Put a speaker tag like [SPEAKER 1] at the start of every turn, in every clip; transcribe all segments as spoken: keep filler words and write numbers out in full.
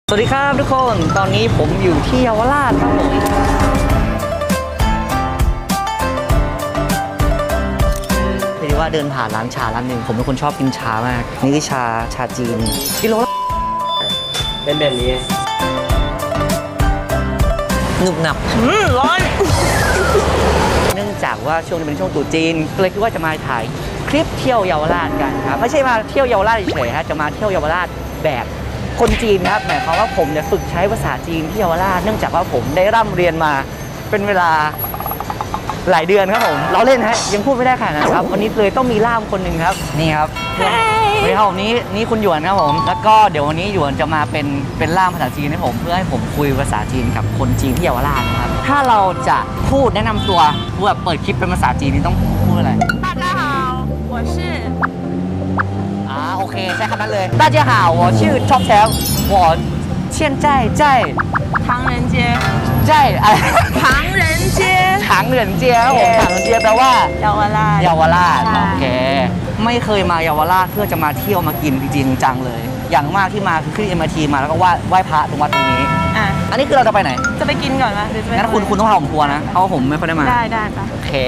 [SPEAKER 1] สวัสดีครับทุกคนตอนนี้ผมอยู่ที่เยาวราชครับผมเรียกว่าเดินผ่านร้านชาร้านหนึ่งผมเป็นคนชอบกินชามากนี่คือชาชาจีนกิโลละ
[SPEAKER 2] เป็นแบบนี้
[SPEAKER 1] หนึบหนับร้อนเนื่องจากว่าช่วงนี้เป็นช่วงตรุษจีนก็เลยคิดว่าจะมาถ่ายคลิปเที่ยวเยาวราชกันครับไม่ใช่มาเที่ยวเยาวราชเฉยๆฮะจะมาเที่ยวเยาวราชแบบคนจีนครับหมายความว่าผมเนี่ยฝึกใช้ภาษาจีนที่เยาวราชเนื่องจากว่าผมได้ร่ำเรียนมาเป็นเวลาหลายเดือนครับผมเราเล่นฮะยังพูดไม่ได้ขนาดนั้นครับวันนี้เลยต้องมีล่ามคนหนึ่งครับนี่ครับนี่ครับผมนี่นี่คุณหยวนครับผมแล้วก็เดี๋ยววันนี้หยวนจะมาเป็นเป็นล่ามภาษาจีนให้ผมเพื่อให้ผมคุยภาษาจีนกับคนจีนที่เยาวราชนะครับถ้าเราจะพูดแนะนำตัวแบบเปิดคลิปเป็นภาษาจีนนี่ต้องพูดอะไร
[SPEAKER 3] 大家好我是
[SPEAKER 1] อ่าโอเคใช่คำนั้นเลย大家好我是 Top Tab 我现在在
[SPEAKER 3] 唐人街
[SPEAKER 1] 在อะไร
[SPEAKER 3] 唐人街
[SPEAKER 1] ถังเหรินเจียครับผมถังเหรินเจียแปลว่า
[SPEAKER 3] เยาวราช
[SPEAKER 1] เยาวราช
[SPEAKER 3] ใช่
[SPEAKER 1] โอเคไม่เคยมาเยาวราชเพื่อจะมาเที่ยวมากินจริงๆจังเลย อย่างมากที่มาคือขึ้น เอ็ม อาร์ ที มาแล้วก็ไหว้ไหว้พระตรงวัดตรงนี้
[SPEAKER 3] อ่ะ
[SPEAKER 1] อันนี้คือเราจะไปไหน
[SPEAKER 3] จะไปกินก่อนไหมหรือจะไป
[SPEAKER 1] งั้นคุณคุณต้องพาผมทัวร์นะเพราะว่าผมไม่ค่อยได้มา
[SPEAKER 3] ได้ได้ปะ
[SPEAKER 1] โอเค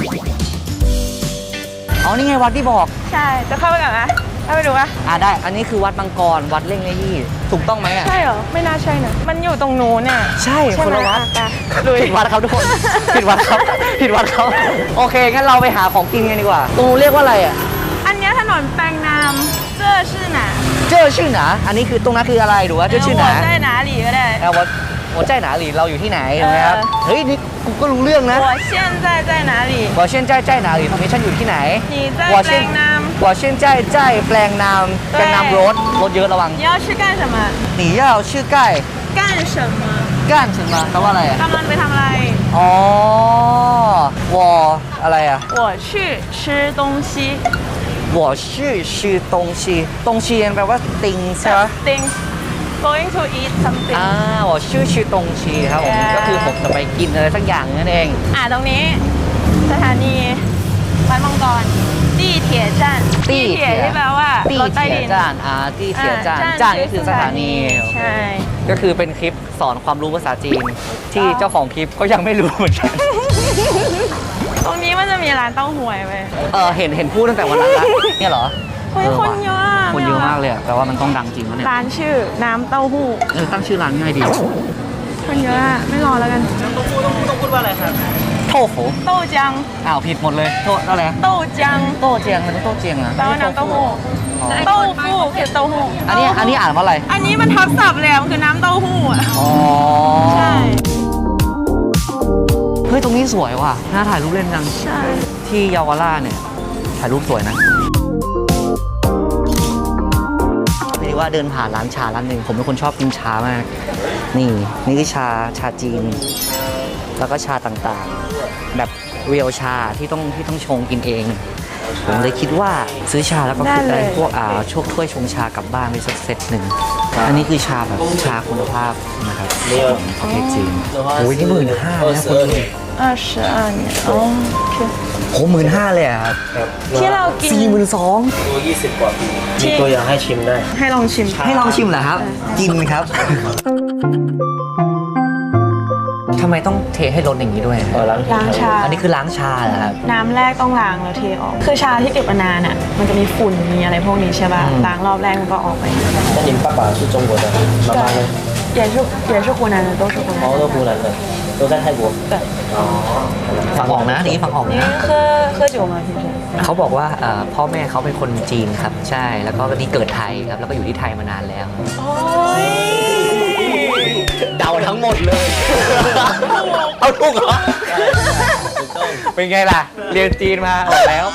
[SPEAKER 1] อ๋อนี่ไงวัดที่บอก
[SPEAKER 3] ใช่จะเข้าไปก่อนไหมเข้าไปดูปะ
[SPEAKER 1] อ่าได้อันนี้คือวัดมังกรวัดเล่งเนยี่ถูกต้องไหมอ่ะ
[SPEAKER 3] ใช่เหรอไม่น่าใช่นะมันอยู่ตรงนู้นเนี่ย
[SPEAKER 1] ใช่คนละวัด
[SPEAKER 3] ลุย
[SPEAKER 1] ผิดวัดครับทุกคนผิดวัดครับผิดวัดครับโอเคงั้นเราไปหาของกินกันดีกว่าตรงนู้นเรียกว่าอะไรอ่ะ
[SPEAKER 3] อันนี้ถนนแปลงนามเจ้อชื่อหนา
[SPEAKER 1] เจ้อชื่อหนาอันนี้คือตรงนั้นคืออะไรหรือว่าเจ้อชื่อหนา
[SPEAKER 3] ได้หนาหลีก็ได้
[SPEAKER 1] เอาว่าหัวใจหนาหลีเราอยู่ที่ไหนใช่ไหมครับเฮ้ยนี่กูก็รู้เรื่องนะ
[SPEAKER 3] 我现在在哪里
[SPEAKER 1] 我现在在哪里ตรงนี้ฉันอยู่ที่ไหน
[SPEAKER 3] 你在แปลงนาม
[SPEAKER 1] 我现在在แปลงนามแปลงนามรถรถเยอะระวัง
[SPEAKER 3] 你要去干什么
[SPEAKER 1] 你要去盖
[SPEAKER 3] 干什么
[SPEAKER 1] 干什么แปลว่าอะไรอ่ะ
[SPEAKER 3] กำลังไปทำอะไร
[SPEAKER 1] อ๋อ我อะไรอ่ะ
[SPEAKER 3] 我去吃东西
[SPEAKER 1] 我是吃东西东西แปลว่า things ใช่ไหม
[SPEAKER 3] things going to eat something
[SPEAKER 1] อ่า我是吃东西ครับผมก็คือผมจะไปกินอะไรสักอย่างนั่นเอง
[SPEAKER 3] อ่าตรงนี้สถานีวัดมังกรตี้เถียจั่นตี้เถียที่แปลว่า
[SPEAKER 1] ตี้เถียจานอ่าตี้เถียจานจานก็คือสถานี
[SPEAKER 3] ใช่
[SPEAKER 1] ก็คือเป็นคลิปสอนความรู้ภาษาจีนที่เจ้าของคลิปก็ยังไม่รู้เหมือนกัน
[SPEAKER 3] ตรงนี้มันจะมีร้านเต้าหวยไหม
[SPEAKER 1] เออเห็นเห็นพูดตั้งแต่วันนั้นละเนี่ยเหรอ
[SPEAKER 3] คนเยอะ
[SPEAKER 1] คนเยอะมากเลยแปลว่ามันต้องดังจริงแล้วเนี่ย
[SPEAKER 3] ร้านชื่อน้ำเต้าหู้
[SPEAKER 1] เออตั้งชื่อร้านง่ายดี
[SPEAKER 3] คนเยอะไม่รอแล้วกัน
[SPEAKER 2] น้ำเต้าหู้ต้องต้องพูดว่าอะไรครับ
[SPEAKER 1] โทฟู
[SPEAKER 3] โต้จัง
[SPEAKER 1] อ้าวผิดหมดเลยโทษอะไร
[SPEAKER 3] โต้จัง
[SPEAKER 1] โต้เจียงมันต้องโต้เจียงอะ
[SPEAKER 3] แปลว่าน้ำเต้าหู้เต้าหู้คือเต้าหู้
[SPEAKER 1] อันนี้อันนี้อ่านว่าอะไร
[SPEAKER 3] อันนี้มันทับศัพท์เลยมันคือน้ำเต้าหู้อ่ะ
[SPEAKER 1] อ๋อ
[SPEAKER 3] ใช่
[SPEAKER 1] เฮ้ยตรงนี้สวยว่ะน่าถ่ายรูปเล่นจัง
[SPEAKER 3] ใช่
[SPEAKER 1] ที่เยาวราชเนี่ยถ่ายรูปสวยนะเรียกว่าเดินผ่านร้านชาร้านหนึ่งผมเป็นคนชอบกินชามากนี่นี่คือชาชาจีนแล้วก็ชาต่างๆแบบเรียวชาที่ต้องที่ต้องชงกินเองผมเลยคิดว่าซื้อชาแล้วก็คือได้พวกอ่าช่วถ้วยชงชากลับบ้านไปสักเซตหนึ่งอันนี้คือชาแบบชาคุณภาพนะครับของประเทศจีนโอ้ยนี่หมื่นห้านะคนดู
[SPEAKER 3] 二十二年哦
[SPEAKER 1] โอ้หมื่นห้าเลยครับ
[SPEAKER 3] ที่เรากิน
[SPEAKER 1] สี่หมื่นสอง
[SPEAKER 2] ตัวยี่สิบกว่าปีมีตัวอย่างให้ชิมได้
[SPEAKER 3] ให้ลองชิม
[SPEAKER 1] ให้ลองชิมเหรอครับกินครับทำไมต้องเทให้รสอย่างนี้ด้วย
[SPEAKER 3] ล้างชา
[SPEAKER 1] อันนี้คือล้างชาเหรอครับ
[SPEAKER 3] น้ำแรกต้องล้างแล้วเทออกคือชาที่เก็บมานานอ่ะมันจะมีฝุ่นมีอะไรพวกนี้ใช่ป่ะล้างรอบแรกมันก็ออกไป
[SPEAKER 2] 那你爸爸是中国的妈妈呢
[SPEAKER 3] 也是也是湖南的都是湖南
[SPEAKER 2] 哦都湖南的都在泰国
[SPEAKER 3] 对
[SPEAKER 2] อ๋อ
[SPEAKER 1] ฟังออกนะนี่ฟังออกนะ
[SPEAKER 3] 喝喝酒吗平时
[SPEAKER 1] เขาบอกว่าพ่อแม่เขาเป็นคนจีนครับใช่แล้วก็นี่เกิดไทยครับแล้วก็อยู่ที่ไทยมานานแล้ว
[SPEAKER 3] โอ้ย
[SPEAKER 1] เดาทั้งหมดเลยเอาถูกเหรอเป็นไงล่ะเรียนจีนมาออกแล้ว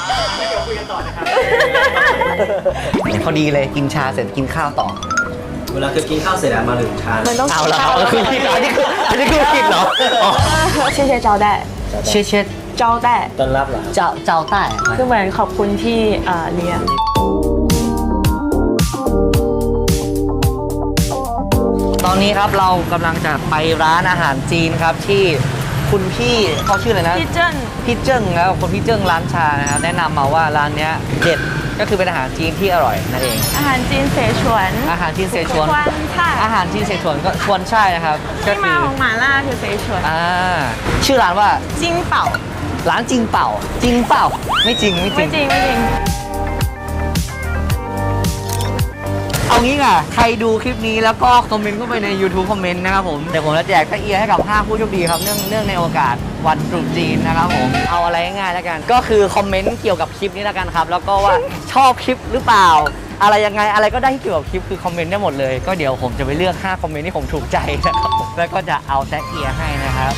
[SPEAKER 1] พอดีเลยกินชาเสร็จกินข้าวต่อ
[SPEAKER 2] เวลาคือกินข้าวเสร็จมาถึงชา
[SPEAKER 3] มันต้อง
[SPEAKER 1] เอาละเอาคือผิดอันนี้คืออันนี้คือผิดเหรอ
[SPEAKER 3] 谢谢招待
[SPEAKER 1] เช็ดเช็ด
[SPEAKER 3] 招待
[SPEAKER 2] ต้อนรับเหรอ
[SPEAKER 1] เจ้าเจ้าใต้
[SPEAKER 3] คือเหมือนขอบคุณที่เลี้ยง
[SPEAKER 1] ตอนนี้ครับเรากำลังจะไปร้านอาหารจีนครับที่คุณพี่เขาชื่ออะไรนะ
[SPEAKER 3] พี่เจิ้ง
[SPEAKER 1] พี่เจิ้งแล้วคนพี่เจิ้งร้านชานะครับแนะนำมาว่าร้านเนี้ยเด็ดก็คือเป็นอาหารจีนที่อร่อยนั่นเอง
[SPEAKER 3] อาหารจีนเสฉวน
[SPEAKER 1] อาหารจีนเสฉวน
[SPEAKER 3] ควันใช่
[SPEAKER 1] อาหารจีนเสฉวนก็ชวนใช่นะครับก็
[SPEAKER 3] ที่
[SPEAKER 1] คื
[SPEAKER 3] มา
[SPEAKER 1] อ
[SPEAKER 3] ของหม่าล่าคือเสฉวน
[SPEAKER 1] อ่าชื่อร้านว่า
[SPEAKER 3] จิ้งเป่า
[SPEAKER 1] ร้านจริงเปล่าจริงเปล่าไม่จริงไม่จ
[SPEAKER 3] ไม่
[SPEAKER 1] ริง
[SPEAKER 3] จริงไม่จริง
[SPEAKER 1] เอางี้อ่ะใครดูคลิปนี้แล้วก็คอมเมนต์เข้าไปใน YouTube คอมเมนต์นะครับผมเดี๋ยวผมจะแจกตะเอียให้กับห้าผู้โชคดีครับเนื่องเนื่องในโอกาสวันตรุษจีนนะครับผมเอาอะไรง่ายๆแล้วกัน ก็คือคอมเมนต์เกี่ยวกับคลิปนี้แล้วกันครับแล้วก็ว่าชอบคลิปหรือเปล่า อะไรยังไงอะไรก็ได้ที่เกี่ยวกับคลิปคือคอมเมนต์ได้หมดเลยก็เดี๋ยวผมจะไปเลือกห้าคอมเมนต์ที่ผมถูกใจนะครับผมแล้วก็จะเอาแตะเอียให้นะครับ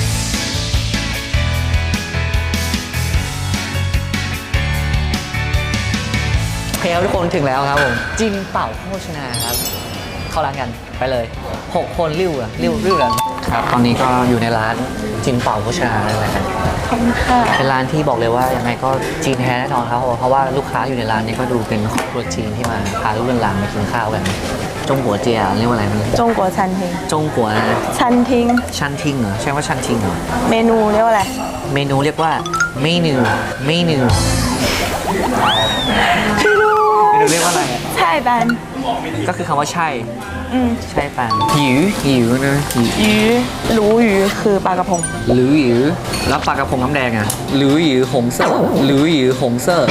[SPEAKER 1] โอเคครับทุกคนถึงแล้วครับผมจินเป่าโภชนาครับเข้าร้านกันไปเลยหกคนริ้วอะริ้วริ้วกันครับตอนนี้ก็อยู่ในร้านจินเป่าโภชนาแล้วนะครับ
[SPEAKER 3] ขอบคุณค่ะ
[SPEAKER 1] เป็นร้านที่บอกเลยว่ายังไงก็จีนแท้แน่นอนครับเพราะว่าลูกค้าอยู่ในร้านนี้ก็ดูเป็นครอบครัวจีนที่มาพาลูกหลานมากินข้าวกันจงกัวเจียเรียกว่าอะไรมัน
[SPEAKER 3] จงกัวชันทิง
[SPEAKER 1] จงกัว
[SPEAKER 3] ชันทิง
[SPEAKER 1] ชันทิงเหรอใช่ว่าชันทิงเหรอ
[SPEAKER 3] เมนูเรียกว่าอะไร
[SPEAKER 1] เมนูเรียกว่าเมนูเมนูเมนูเรียกว่าอะไรอะ
[SPEAKER 3] ใช่บัน
[SPEAKER 1] ก็คือคำว่าใช่
[SPEAKER 3] อืม
[SPEAKER 1] ใช่ปังหิวหิวนะหิว
[SPEAKER 3] หยูรู้หยูคือปลากระพง
[SPEAKER 1] หรือหิวแล้วปลากระพงน้ำแดงอ่ะหรือหิวหงเซ่อหรือหิวหงเซ่อ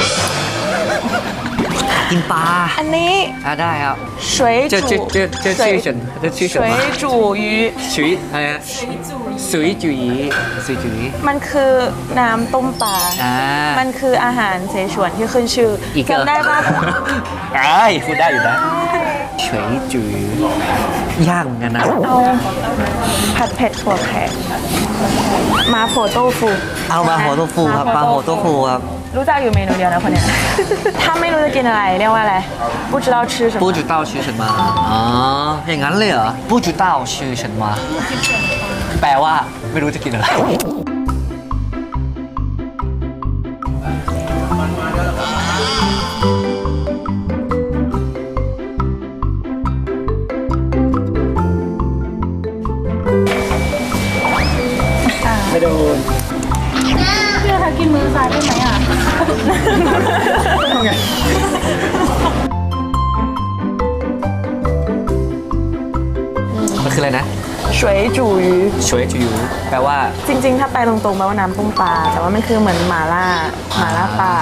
[SPEAKER 1] กินปลา
[SPEAKER 3] อันนี้
[SPEAKER 1] อ่ะได้ครับ
[SPEAKER 3] 水
[SPEAKER 1] เจอ
[SPEAKER 3] 煮
[SPEAKER 1] เจอเจอเจอชื่อฉันเจอชื่อฉัน
[SPEAKER 3] 水
[SPEAKER 1] มา
[SPEAKER 3] 煮鱼
[SPEAKER 1] ชุยอะไรนะสุยจุยสุยจุย
[SPEAKER 3] มันคือน้ำต้มปลา
[SPEAKER 1] อ่า
[SPEAKER 3] มันคืออาหารเสฉวนที่ขึ้นชื่อ
[SPEAKER 1] อีกเหรอ
[SPEAKER 3] จำได้ปะ
[SPEAKER 1] ไอ้พูดได้อยู่นะเฉยจุยยากเหมือนกันนะ
[SPEAKER 3] เอาผัดเผ็ดถั่วแขกมาโฟโต้ฟู
[SPEAKER 1] เอามาหัวโตฟูครับปลาหัวโตฟูครับ
[SPEAKER 3] รู้จักอยู่เมนูเดียวนะคนเนี้ย ถ้าไม่รู้จะกินอะไรเรียกว่าอะไร不知道吃什么
[SPEAKER 1] 不知道吃什么อ๋ออย่างนั้นเลยเหรอ不知道吃什么แปลว่าไม่รู้จะกินอะไร
[SPEAKER 2] ไม่โดน
[SPEAKER 3] เพื่อเขากินมือซ้ายได้ไหมอ่ะ
[SPEAKER 1] มันคืออะไรนะ
[SPEAKER 3] 水煮鱼
[SPEAKER 1] สวยจุยแปลว่า
[SPEAKER 3] จริงๆ ถ้าไปตรงๆแปลว่าน้ำต้มปลา แต่ว่ามันคือเหมือนหม่าล่าหม่าล่าปลา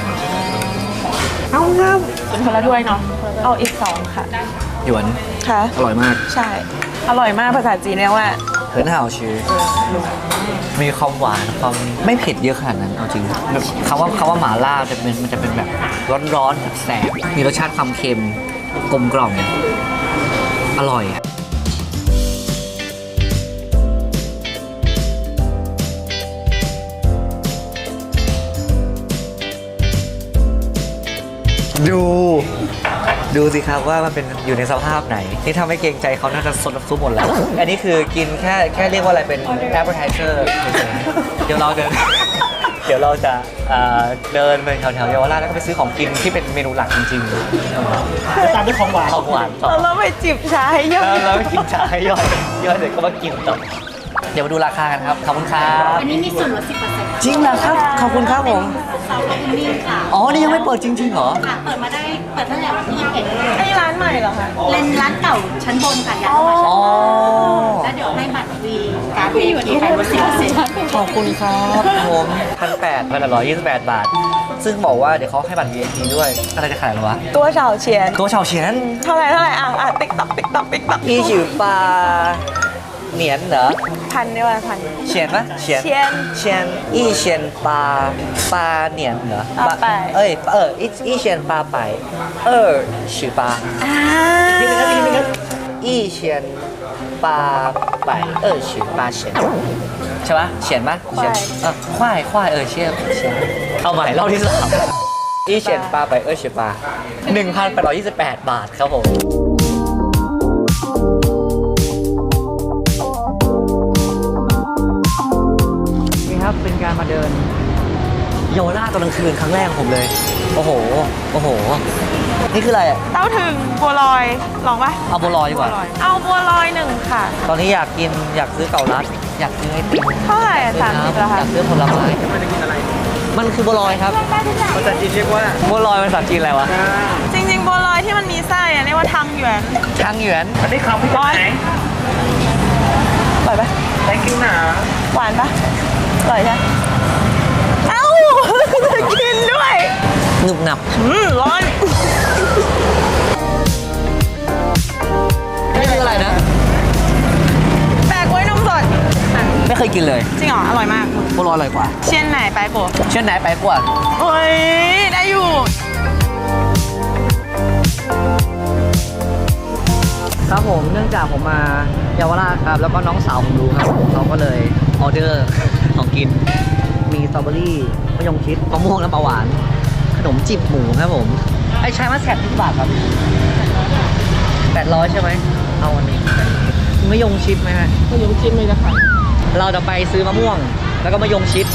[SPEAKER 1] เอาครับ
[SPEAKER 3] เป็นคนละถ้วยเนาะ เอาอีกสองค่ะ
[SPEAKER 1] หยวน
[SPEAKER 3] ค่ะ
[SPEAKER 1] อร่อยมาก
[SPEAKER 3] ใช่ อร่อยมากภาษาจีนเรียกว่า
[SPEAKER 1] เหินห่าวชื่อมีความหวานความไม่เผ็ดเยอะขนาดนั้นเอาจริงคำว่าคำว่าหม่าล่าจะเป็นมันจะเป็นแบบร้อนๆแสบๆมีรสชาติความเค็มกลมกล่อมอร่อย ดู ดูสิครับว่ามันเป็นอยู่ในสภาพไหน ที่ทำให้เกรงใจเขาน่าจะซดน้ำซุปหมดแล้ว อันนี้คือกินแค่แค่เรียกว่าอะไรเป็น appetizer เฉยๆเดี๋ยวเราเดิน เดี๋ยวเราจะเอ่อเดินไปแถวๆเยาวราชแล้วก็ไปซื้อของกินที่เป็นเมนูหลักจริงๆตามด้วยของหวานของหวานต่อ
[SPEAKER 3] แล้วเราไปจิบชาให้เยอะ
[SPEAKER 1] แล้วแล้วไปกินชาให้ย่อยย่อยเสร็จก็มากินต่อเดี๋ยวมาดูราคากันครับขอบคุณครับ
[SPEAKER 4] อันนี้มีส่วนลด สิบเปอร์เซ็นต์
[SPEAKER 1] จริงเหรอครับขอบคุณครับผม
[SPEAKER 4] ซอฟต์คูลิ่งค่ะ
[SPEAKER 1] อ๋อนี่ยังไม่เปิดจริงๆเหรอ
[SPEAKER 4] ค่ะ เปิดมาได้ เปิดตั้งแต่วันที่ยี่สิบเอ็ด
[SPEAKER 3] ไอ้ร้านใหม่เหรอคะ
[SPEAKER 4] เลนร้านเก่าชั้นบนค่ะย้ายมา
[SPEAKER 1] อ๋อ
[SPEAKER 4] แล้วเดี๋ยวให้บัตรวีการ์ดวีพีไปลดสิบเปอร์เซ็นต์
[SPEAKER 1] ขอบคุณครับผมพันแปดพันร้อยยี่สิบแปดบาท ซึ่งบอกว่าเดี๋ยวเขาให้บัตร วี ไอ พี ด้วย อะไรจะขายหรอวะ
[SPEAKER 3] ตัวเฉาเฉียน
[SPEAKER 1] ตัวเฉาเฉียน
[SPEAKER 3] เท่าไหร่เท่าไหร่อ่ะอ่ะติ๊กต๊อกติ๊กต๊อกติ๊กต๊อก
[SPEAKER 1] อีฉิวปลาเหนียนเหรอ
[SPEAKER 3] พันได้ว่าพัน
[SPEAKER 1] เฉียนปะเฉียน
[SPEAKER 3] เฉียน
[SPEAKER 1] เฉียนอีเฉียนปลาปลาเหนียนเหรอ
[SPEAKER 3] ปลาไป
[SPEAKER 1] เอ้ยเอออีอีเฉียนปลาไปเออชื่อปลา
[SPEAKER 3] อ่า
[SPEAKER 1] ทีนึงครับทีนึงครับอีเฉียนปลาไปเออชื่อปลาเฉียนใช่ปะเฉียนปะเฉียนเออควายควายเออเชี่ยเฉียนเอาใหม่รอบที่สามอีเฉียนปลาไปเออชื่อปลาหนึ่งพันแปดร้อยยี่สิบแปดบาทครับผมนี่ครับเป็นการมาเดินเยาวราชตอนกลางคืนครั้งแรกของผมเลย โอ้โห โอ้โห นี่คืออะไรอ่ะ
[SPEAKER 3] เต้าถึงบัวลอย ลองปะ
[SPEAKER 1] เอาบัวลอยดีกว่า
[SPEAKER 3] เอาบัวลอยหนึ่งค่ะ
[SPEAKER 1] ตอนนี้อยากกินอยากซื้อเก่ารัด อยากซื้อไอติม
[SPEAKER 3] เท่าไหร่อ่ะ
[SPEAKER 1] อยาก
[SPEAKER 3] สาม
[SPEAKER 1] ซื้
[SPEAKER 3] สิ
[SPEAKER 1] อบ
[SPEAKER 3] เหรอ
[SPEAKER 1] น้ำอ
[SPEAKER 3] คะ
[SPEAKER 1] ยากซื้อผลไม้มันคือบัวลอยครับ
[SPEAKER 2] ภาษาจีนเรียกว่า
[SPEAKER 1] บัวลอยเป็นภาษาจีนอะไรวะ
[SPEAKER 3] จริงๆบัวลอยที่มันมีไส้อะเรียกว่าทังหยวน
[SPEAKER 1] ทางหยวน
[SPEAKER 2] อันนี้คำพี่ไหน
[SPEAKER 3] อร่อยปะ
[SPEAKER 2] แตงกิ้วหนา
[SPEAKER 3] หวานปะอร่อยใช่เอ้า จะกินด้วย
[SPEAKER 1] หนึบหนับ
[SPEAKER 3] อืมร้อน
[SPEAKER 1] นี่คืออะไรนะ
[SPEAKER 3] แปลกไว้นมสด
[SPEAKER 1] ไม่เคยกินเลย
[SPEAKER 3] จริงเหรอ อร่อยมาก
[SPEAKER 1] บัวลอยอร่อยกว่า
[SPEAKER 3] เชียนไหนไปโปะ
[SPEAKER 1] เช่นไหนไปกว่า
[SPEAKER 3] โอ้ย ได้อยู่
[SPEAKER 1] ครับผมเนื่องจากผมมาเยาวราชครับแล้วก็น้องสาวผมรู้ครับผมเขาก็เลยออเดอร์ ของกิน มีสตรอเบอรี่มะยงชิดมะม่วงน้ำปลาหวาน ขนมจีบหมูครับผมไอ้ชายมาแสบที่บาทครับแปดร้อยใช่ไหมเอาอันนี้มะยงชิดไหมฮะมะยงชิดไม่ได้ค่ะเราจะไปซื้อมะม่วงแล้วก็มะยงชิด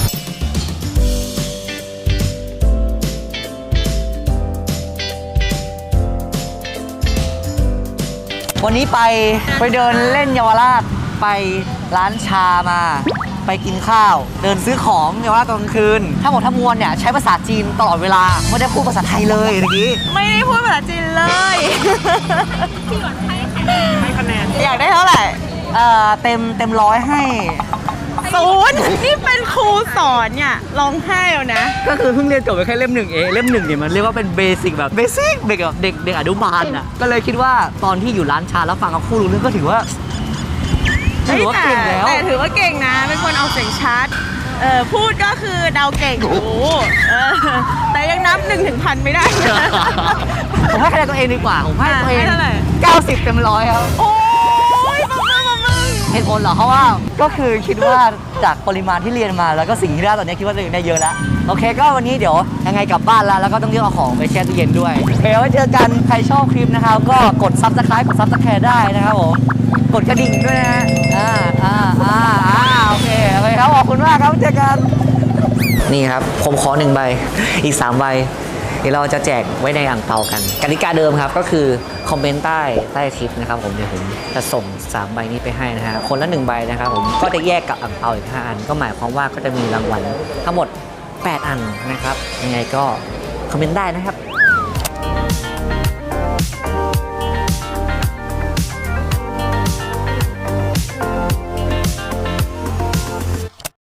[SPEAKER 1] วันนี้ไปไปเดินเล่นเยาวราชไปร้านชามา ไปกินข้าว เดินซื้อของเยาวราชตอนกลางคืนทั้งหมดทั้งมวลเนี่ยใช้ภาษาจีนตลอดเวลาไม่ได้พูดภาษาไทยเลยเมื่อกี้
[SPEAKER 3] ไม่ได้พูดภาษาจีนเลย
[SPEAKER 2] ให้คะแนน
[SPEAKER 3] อยากได้เท่าไหร่
[SPEAKER 1] เอ่อเต็มเต็มร้อยให้
[SPEAKER 3] ศูนย์นี่เป็นครูสอนเนี่ยร้องไห้แล้วนะ
[SPEAKER 1] ก็คือเพิ่งเรียนจบไปแค่เล่มหนึ่งเองเล่มหนึ่งเนี่ยมันเรียกว่าเป็นเบสิกแบบเบสิกเด็กแบบเด็กเด็กอนุบาลอ่ะก็เลยคิดว่าตอนที่อยู่ร้านชาแล้วฟังเขาพูดรู้เรื่องก็ถือว่าถือว่าเก่งแล้ว
[SPEAKER 3] แต่ถือว่าเก่งนะ เป็นคนเอาเสียงชัด เออพูดก็คือเดาเก่งอยู่เออแต่ยังนับหนึ่งถึงพันไม่ได้นะ
[SPEAKER 1] ผมให้คะแนนตัวเองดีกว่าผมให้ตัวเอง
[SPEAKER 3] ให้เท่าไหร่
[SPEAKER 1] เก้าสิบเต็มร้อยครับ
[SPEAKER 3] โอ้ยมามึงมามึง
[SPEAKER 1] เหตุผลเหรอเพราะว่าก็คือคิดว่าจากปริมาณที่เรียนมาแล้วก็สิ่งที่ได้ตอนนี้คิดว่าตัวเองได้เยอะแล้วโอเคก็วันนี้เดี๋ยวยังไงกลับบ้านแล้วแล้วก็ต้องเลือกเอาของไปแช่ตู้เย็นด้วยโอเคไว้เจอกันใครชอบคลิปนะครับก็กดซับสไครต์กดซับสแคร์ได้นะครับผมกดกระดิ่งด้วยนะอ่าอ่าอ่าอ่าโอเคโอเคครับขอบคุณมากครับเจอกันนี่ครับผมขอหนึ่งใบอีกสามใบเดี๋ยวเราจะแจกไว้ในอ่างเปากันกติกาเดิมครับก็คือคอมเมนต์ใต้ใต้คลิปนะครับผมเดี๋ยวผมจะส่งสามใบนี้ไปให้นะฮะคนละหนึ่งใบนะครับผมก็จะแยกกับอ่างเปาอีกห้าอันก็หมายความว่าก็จะมีรางวัลทั้งหมดแปดอันนะครับยังไงก็คอมเมนต์ได้นะครับ